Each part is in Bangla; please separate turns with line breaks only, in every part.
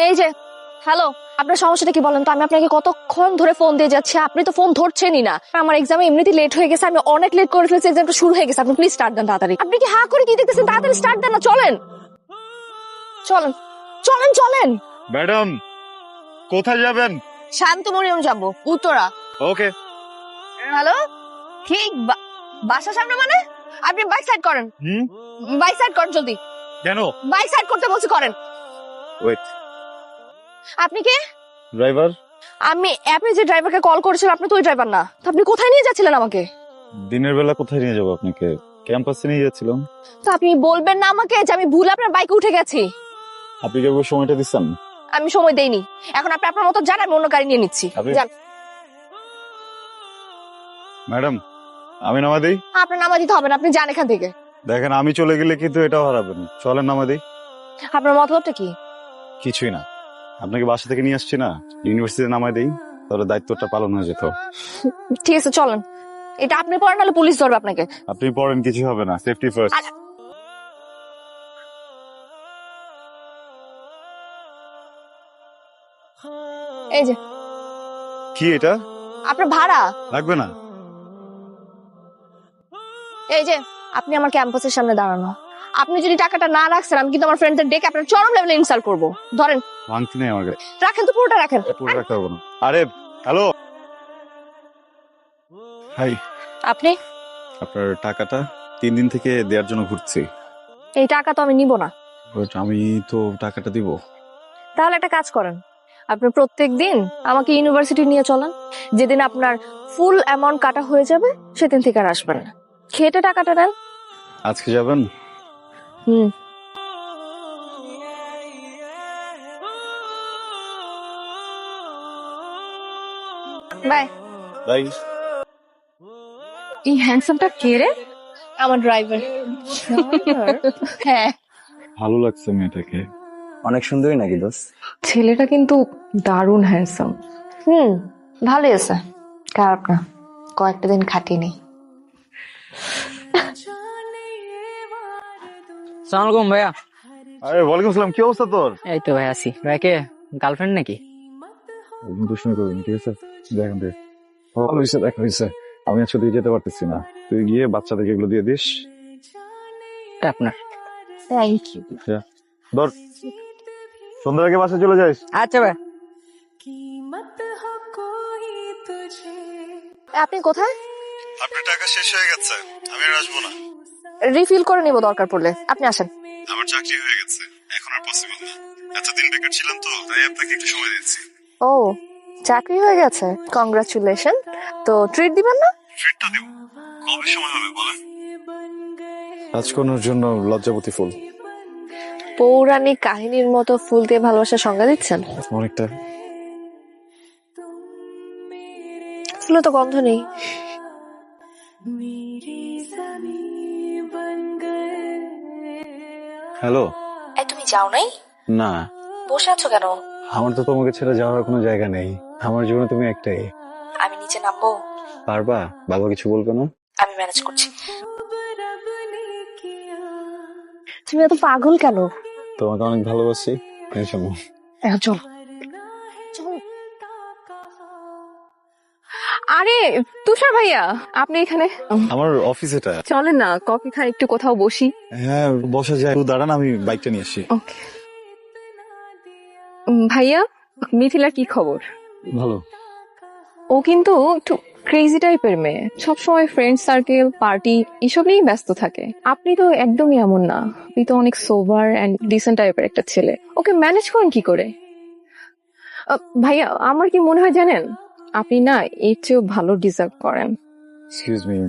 এই যে হ্যালো, আপনার সমস্যাটা কি বলেন তো? আমি আপনাকে কতক্ষণ ধরে ফোন দিয়ে যাচ্ছি, আপনি তো ফোন ধরছেনই না। আমার এক্সামে এমনিতেই লেট হয়ে গেছে, আমি অনেক লেট করে ফেলেছি, এক্সামটা শুরু হয়ে গেছে। আপনি প্লিজ স্টার্ট দেন তাড়াতাড়ি। আপনি কি হা করে কি দেখতেছেন? তাড়াতাড়ি স্টার্ট দেন না, চলেন চলেন চলেন চলেন।
ম্যাডাম কোথায় যাবেন?
শান্তমরিয়ম যাবো, উত্তরা।
ওকে।
হ্যালো, ঠিক বাসার সামনে মানে? আপনি বাইক সাইড করেন, বাইক সাইড করেন জলদি।
কেন?
বাইক সাইড করতে বলছি, করেন।
ওয়েট।
আপনি কে?
ড্রাইভার।
আমি অ্যাপে যে ড্রাইভারকে কল করেছিলাম, আপনি তো ওই ড্রাইভার না। তো আপনি কোথায় নিয়ে যাচ্ছিলেন আমাকে?
দিনের বেলা কোথায় নিয়ে যাবো আপনাকে? ক্যাম্পাসে নিয়ে যাচ্ছিলাম।
তো আপনি বলবেন না আমাকে যে আমি ভুল আপনার বাইকে উঠে গেছি?
আপনি কি একবার সময়টা দিচ্ছেন?
আমি সময় দেইনি। এখন আপনি আপনার মতো যান, আমি অন্য গাড়ি নিয়ে নিচ্ছি। যান।
ম্যাডাম আমি নামা দিই।
আপনার নামা দিতে হবে না, আপনি যান এখান থেকে।
দেখেন আমি চলে গেলে কিন্তু এটাও হারাবেন। চলেন নামা দিই।
আপনার মতলবটা কি?
কিছুই না, আপনাকে বাসা থেকে নিয়ে আসছি না, ইউনিভার্সিটিতে নামাই দিই, তাহলে দায়িত্বটা পালন হয়ে যেত।
ঠিক আছে চলেন। এটা আপনি পড়েন, নাহলে পুলিশ ধরবে আপনাকে।
আপনি পড়েন, কিছু হবে না, সেফটি ফার্স্ট।
এই যে
কি এটা?
আপনার ভাড়া
লাগবে না।
এই যে আপনি আমার ক্যাম্পাসের সামনে দাঁড়ানো, আপনি যদি টাকাটা না রাখছেন, আমি কিন্তু আমার ফ্রেন্ডদের ডেকে আপনার চরম লেভেলে ইনসাল্ট করবো। ধরেন।
ভাঙতি নেই আমার কাছে।
রাখেন তো, পুরোটা রাখেন।
পুরো রাখতে পারবো না। আরে হ্যালো, হাই।
আপনি?
আপনার টাকাটা 3 দিন থেকে দেওয়ার জন্য ঘুরছি।
এই টাকা তো আমি নিব না।
But আমি তো টাকাটা দিব।
তাহলে একটা কাজ করেন, আপনি প্রত্যেকদিন আমাকে ইউনিভার্সিটি নিয়ে চলেন। যেদিন আপনার ফুল অ্যামাউন্ট কাটা হয়ে যাবে, সেদিন থেকে আর আসবেন না। খেটে টাকাটা নেন।
আজকে যাবেন?
হুম। Bye
bye.
এই হ্যান্ডসামটা কে রে? আমার ড্রাইভার। হ্যাঁ।
ভালো লাগছে মেয়েটাকে।
অনেক সুন্দরী নাকি দোষ?
ছেলেটা কিন্তু দারুণ হ্যান্ডসাম।
ভালোই আছে, খারাপ না। কয়েকটা দিন খাটিয়ে নেই।
সালাম আলাইকুম ভাইয়া।
আরে ওয়ালাইকুম আসসালাম, কি অবস্থা তোর?
এই তো ভাই আছি। ভাইকে গার্লফ্রেন্ড নাকি?
দুষ্টুমি করবি না, ঠিক আছে? দেখেন দেখ, ভালো হয়েছে, দেখা হয়েছে। আমি আসলে যেতে পারতেছি না, তুই গিয়ে বাচ্চাদেরকে এগুলো দিয়ে দিস।
এটা আপনার।
Thank you.
ধর, সন্ধ্যার আগে বাসায় চলে যাস।
আচ্ছা ভাই।
আপনি কোথায়?
আপনার টাকা শেষ হয়ে গেছে, আমি আর আসবো না।
রিফিল করে নিব দরকার পড়লে, আপনি আসেন।
আমার চাকরি হয়ে গেছে, এখন আর পসিবল না। এতদিন বেকার ছিলাম তো, তাই আপনাকে একটু সময় দিচ্ছি।
ও, চাকরি হয়ে গেছে, কংগ্রাচুলেশন। তো ট্রিট দিবেন না?
ট্রিটটা দেব, কবে সময় হবে বলেন? রাজকন্যার জন্য লজ্জাবতী ফুল।
পৌরাণিক কাহিনীর মতো ফুল দিয়ে ভালোবাসার সংজ্ঞা দিচ্ছেন?
অনেকটা।
ফুলে তো গন্ধ নেই।
হ্যালো।
এই তুমি যাও নাই?
না।
বসে আছো কেন?
আমার তো তোমাকে ছেড়ে যাওয়ার কোনো জায়গা নেই, আমার জীবনে তুমি একটাই।
আমি নিচে নামবো?
পারবা? বাবা কিছু বলবে না?
আমি ম্যানেজ করছি। তুমি এত পাগল কেন?
তোমাকে অনেক ভালোবাসি। টেনশন নাও।
এখন চলো।
আরে তুষার ভাইয়া, আপনি এখানে?
আমার অফিস এটা।
চলেন না, কফি খাই, একটু কোথাও বসি।
হ্যাঁ বসা যায়, একটু দাঁড়ান, আমি বাইকটা নিয়ে আসি।
ওকে। ভাইয়া, মিথিলার কি খবর?
ভালো।
ও কিন্তু একটু ক্রেজি টাইপের মেয়ে, সবসময় ফ্রেন্ড সার্কেল, পার্টি এসব নিয়েই ব্যস্ত থাকে। আপনি তো একদমই এমন না, আপনি তো অনেক সোবার এন্ড ডিসেন্ট টাইপের একটা ছেলে। ওকে ম্যানেজ করেন কি করে? ভাইয়া, আমার কি মনে হয় জানেন, আপনি না এর চেয়েও ভালো ডিজার্ভ করেন।
Excuse me.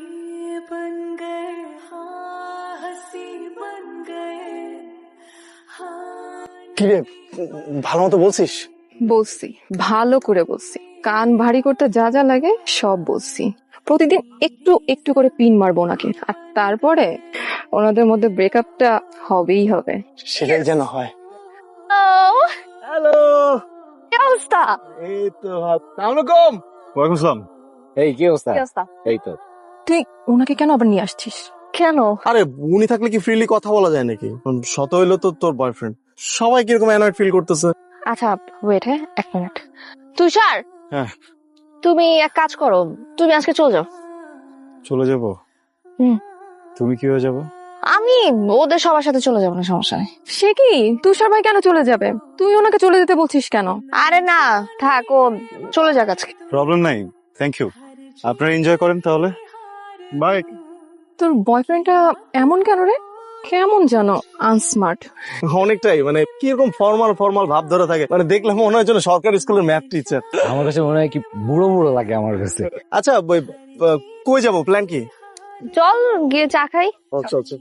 কি রে, ভালো মতো বলছিস?
বলছি, ভালো করে বলছি, কান ভারী করতে যা যা লাগে সব বলছি। প্রতিদিন একটু একটু করে পিন মারবো ওনাকে, আর তারপরে ওনাদের মধ্যে ব্রেকআপটা হবেই হবে।
সেটাই যেন হয়।
হ্যালো, কি অবস্থা?
এই তো আসসালামুয়ালাইকুম।
ওয়ালাইকুম আসসালাম।
এই কি অবস্থা?
কি অবস্থা?
এই তো।
তুই ওনাকে কেন আবার নিয়ে আসছিস?
কেন?
আরে উনি থাকলে কি ফ্রিলি কথা বলা যায় নাকি? শত হইলো তো তোর বয়ফ্রেন্ড, সবাই কিরকম অ্যানয়েড ফিল করতেছে।
আচ্ছা ওয়েট, হ্যাঁ 1 মিনিট। তুষার,
হ্যাঁ।
তুমি এক কাজ করো, তুমি আজকে চলে যাও।
চলে যাব?
হুম।
তুমি কিভাবে যাবো?
আমি ওদের সবার সাথে চলে যাবো না, সমস্যা নেই।
সে কি, তুষার ভাই কেন চলে যাবে? তুই ওনাকে চলে যেতে বলছিস কেন?
আরে না থাক, ও চলে যাক আজকে।
প্রবলেম নাই, থ্যাংক ইউ। আপনারা এনজয় করেন তাহলে, বাই।
তোর বয়ফ্রেন্ডটা এমন কেন রে? কেমন জানো আনস্মার্ট।
অনেকটাই, মানে কিরকম ফর্মাল ফর্মাল ভাব ধরে থাকে, মানে দেখলে মনে হয় যেন সরকারি স্কুলের ম্যাথ টিচার।
আমার কাছে মনে হয় কি বুড়ো বুড়ো লাগে আমার কাছে।
আচ্ছা কই যাবো, প্ল্যান কি?
চল গিয়ে চা খাই।
আচ্ছা আচ্ছা।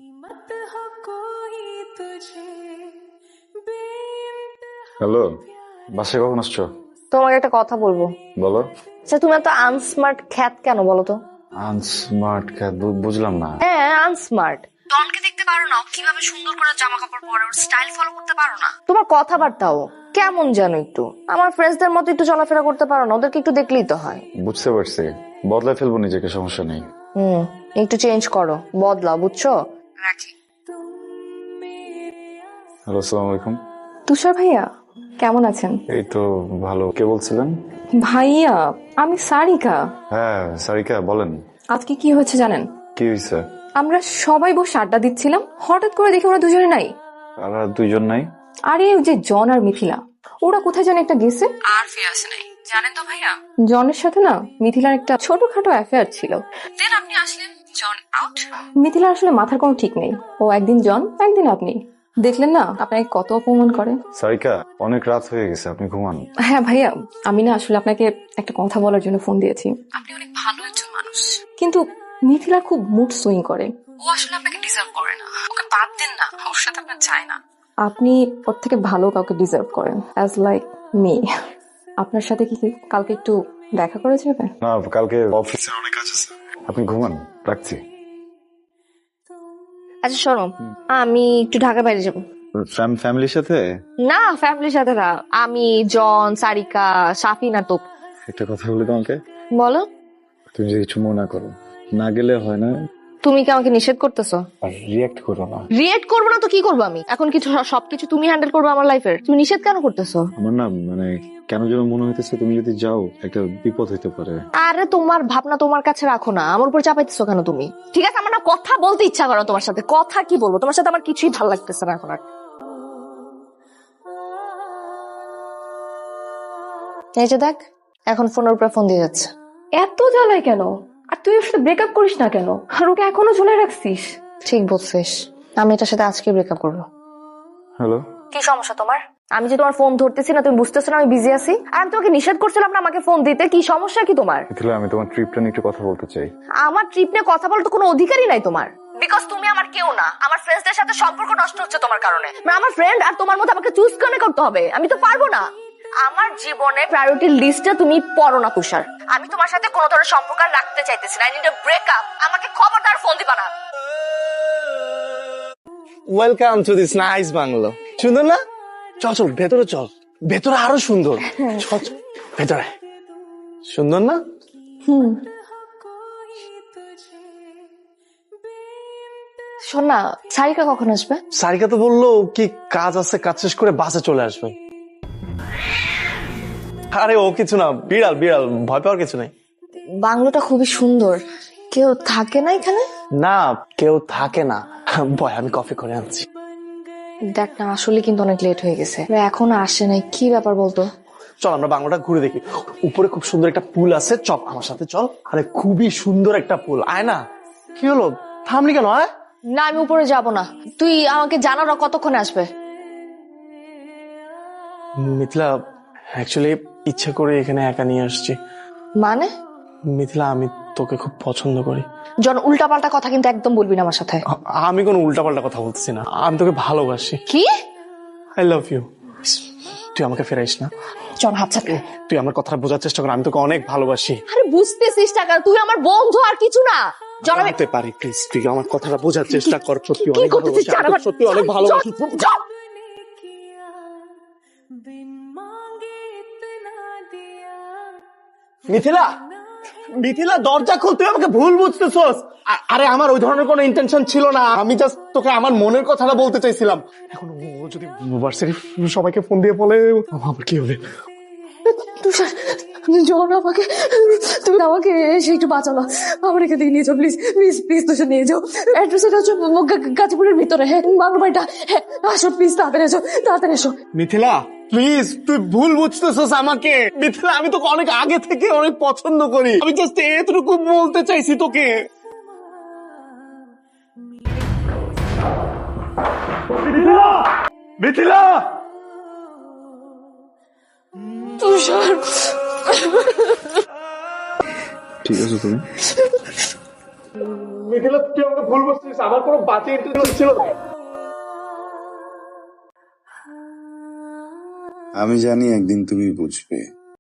হ্যালো, বাসায় কখন আসছো?
তোমাকে একটা কথা বলবো।
বলো।
আচ্ছা তুমি এত আনস্মার্ট খ্যাত কেন বলো তো?
আনস্মার্ট, বুঝলাম না।
হ্যাঁ আনস্মার্ট। ডনকে দেখতে পারো না, ও কিভাবে সুন্দর করে জামা কাপড় পরে, ওর স্টাইল ফলো করতে পারো না? তোমার কথাবার্তাও কেমন জানো একটু, আমার ফ্রেন্ডসদের মতো একটু চলাফেরা করতে পারো না? ওদেরকে একটু দেখলেই তো হয়।
বুঝতে পারছি, বদলায় ফেলবো নিজেকে, সমস্যা নেই।
একটু চেঞ্জ করো, বদলাও, বুঝছো? রাখি।
হ্যালো, আসসালামু আলাইকুম।
তুষার ভাইয়া কেমন আছেন?
এই তো ভালো। কে বলছিলেন?
ভাইয়া আমি সারিকা।
হ্যাঁ সারিকা, বলেন।
আজকে কি হয়েছে জানেন?
কি হয়েছে?
আমরা সবাই বসে আড্ডা দিচ্ছিলাম, হঠাৎ করে দেখি ওরা দুজনে নাই।
আর দুইজন নাই?
আরে ওই যে জন আর মিথিলা, ওরা কোথায় জানে একটা গেছে, আর ফিরে আসে নাই। জানেন তো ভাইয়া, জনের সাথে না মিথিলার একটা ছোটখাটো অ্যাফেয়ার ছিল। দেন আপনি আসলেন, জন আউট। মিথিলার আসলে মাথার কোনো ঠিক নেই, ও একদিন জন একদিন আপনি। দেখলেন না আপনাকে কত অপমান করে।
সারিকা, অনেক রাত হয়ে গেছে, আপনি ঘুমান।
হ্যাঁ ভাইয়া, আমি না আসলে আপনাকে একটা কথা বলার জন্য ফোন দিয়েছি। আপনি অনেক ভালো একজন মানুষ, কিন্তু মিথিলা খুব মুড সুইং করে। ও আসলে আপনাকে ডিজার্ভ করে না, ওকে বাদ দেন না, ওর সাথে আপনার চাই না। আপনি ওর থেকে ভালো কাউকে ডিজার্ভ করেন, অ্যাজ লাইক মি। আপনার সাথে কি কালকে একটু দেখা করা যাবে?
না, কালকে অফিসে অনেক কাজ আছে, আপনি ঘুমান, রাখছি।
আচ্ছা শোনো, আমি একটু ঢাকা বাইরে যাবো।
ফ্যামিলির সাথে?
না ফ্যামিলির সাথে না, আমি জন, সারিকা, সাফিন আর তোপ।
একটা কথা বলি তোমাকে।
বলো।
তুমি যদি কিছু মনে না করো, না গেলে হয় না।
তুমি কি আমাকে নিষেধ করতেছো?
আর রিয়েক্ট করো না।
রিয়েক্ট করবো না তো কি করবো আমি? এখন কিছু সবকিছু তুমি হ্যান্ডেল করবে আমার লাইফের, তুমি নিষেধ কেন করতেছো?
আমার না মানে কেন যেন মনে হইতেছে তুমি যদি যাও একটা বিপদ হইতে পারে।
আরে তোমার ভাবনা তোমার কাছে রাখো না, আমার উপর চাপাইতেছো কেন তুমি? ঠিক আছে, আমার না কথা বলতে ইচ্ছা করো তোমার সাথে, কথা কি বলবো তোমার সাথে, আমার কিছুই ভালো লাগতেছে না এখন আর। এই যে দেখ, এখন ফোনের উপরে ফোন দিয়ে যাচ্ছে।
এত জ্বালায় কেন? আর তুই ওর সাথে ব্রেকআপ করিস না কেন? আর ওকে এখনো ঝুলে রাখছিস?
ঠিক বলছিস, আমি এটার সাথে আজকে ব্রেকআপ করবো।
হ্যালো,
কি সমস্যা তোমার? আমি যে তোমার ফোন ধরতেছি না, তুমি বুঝতেছো না আমি বিজি আছি? আর আমি তোমাকে নিষেধ করছিলাম না আমাকে ফোন দিতে, কি সমস্যা কি তোমার?
মিথিলা, আমি তোমার ট্রিপটা নিয়ে একটু কথা বলতে চাই।
আমার ট্রিপ নিয়ে কথা বলতে কোনো অধিকারই নাই তোমার, বিকজ তুমি আমার কেউ না। আমার ফ্রেন্ডসদের সাথে সম্পর্ক নষ্ট হচ্ছে তোমার কারণে। মানে আমার ফ্রেন্ড আর তোমার মধ্যে আমাকে চুজ কেন করতে হবে? আমি তো পারবো না। আমার জীবনে প্রায়োরিটি লিস্টে তুমি পড়ো না তুষার। আমি তোমার সাথে কোনো ধরনের সম্পর্ক আর রাখতে চাইতেছি না। I need a breakup. আমাকে খবরদার ফোন দিবা না।
Welcome to this nice bungalow. সুন্দর না? চল চল ভেতরে চল, ভেতরে আরো সুন্দর। চল চল ভেতরে। সুন্দর না?
শোন না, সারিকা কখন আসবে?
সারিকা তো বললো কি কাজ আছে, কাজ শেষ করে বাসে চলে আসবে। আরে ও কিছু না, বিড়াল বিড়াল, ভয় পাওয়ার কিছু নাই।
বাংলোটা খুবই সুন্দর, কেউ থাকে না এখানে?
না কেউ থাকে না। বয়, আমি কফি করে আনছি।
দেখ না, আসলে কিন্তু অনেক লেট হয়ে গেছে, এখনো আসে নাই, কি ব্যাপার বলতো?
চল আমরা বাংলাটা ঘুরে দেখি। উপরে খুব সুন্দর একটা পুল আছে, চল আমার সাথে চল। আরে খুবই সুন্দর একটা পুল, আয় না। কি হলো, থামলি কেন? আয়।
না আমি উপরে যাব না, তুই আমাকে জানা না কতক্ষণে আসবে।
মিথিলা, অ্যাকচুয়ালি ইচ্ছে করে এখানে একা নিয়ে আসছি।
মানে?
মিথিলা, আমি তোকে খুব পছন্দ করি।
জন, উল্টাপাল্টা কথা কিন্তু একদম বলবি না আমার সাথে।
আমি কোনো উল্টাপাল্টা কথা বলতেছি না, আমি তোকে ভালোবাসি।
কি?
I love you. তুই আমাকে ফেরাইস না।
জন হাত চাপে।
তুই আমার কথাটা বোঝার চেষ্টা কর, আমি তোকে অনেক ভালোবাসি।
আরে বুঝতেছিস টাকা, তুই আমার বন্ধু আর কিছু না। জন আমি
হতে পারি, প্লিজ তুই আমার কথাটা বোঝার চেষ্টা কর। সত্যি
কি
অনেক
করতেছিস?
ভালোবাসি, আমি তোকে সত্যি অনেক ভালোবাসি।
জন!
মিথিলা, মিথিলা দরজা খোল, তুই আমাকে ভুল বুঝতেছস। আরে আমার ওই ধরনের কোনো ইন্টেনশন ছিল না, আমি জাস্ট তোকে আমার মনের কথাটা বলতে চাইছিলাম। এখন ও যদি ভার্সিটি সবাইকে ফোন দিয়ে বলে আমার কি হবে?
তুষার, জন আমাকে, তুমি আমাকে এসে একটু বাঁচানো, আমার এখান থেকে নিয়ে যাও প্লিজ প্লিজ প্লিজ, তুষার নিয়ে যাও। অ্যাড্রেস এটা হচ্ছে গাজীপুরের ভিতরে, হ্যাঁ বাংলা বাড়িটা, হ্যাঁ আসো প্লিজ, তাড়াতাড়ি এসো তাড়াতাড়ি এসো।
মিথিলা প্লিজ, তুই ভুল বুঝতেছস আমাকে। মিথিলা, আমি তোকে অনেক আগে থেকে অনেক পছন্দ করি, আমি জাস্ট এতটুকু বলতে চাইছি তোকে। মিথিলা, মিথিলা,
তুষার,
ঠিক আছে তুমি?
মিথিলা তুই আমাকে ভুল বুঝছিস, আমার কোনো বাজে ইন্টেনশন ছিল না।
আমি জানি একদিন তুমি বুঝবে।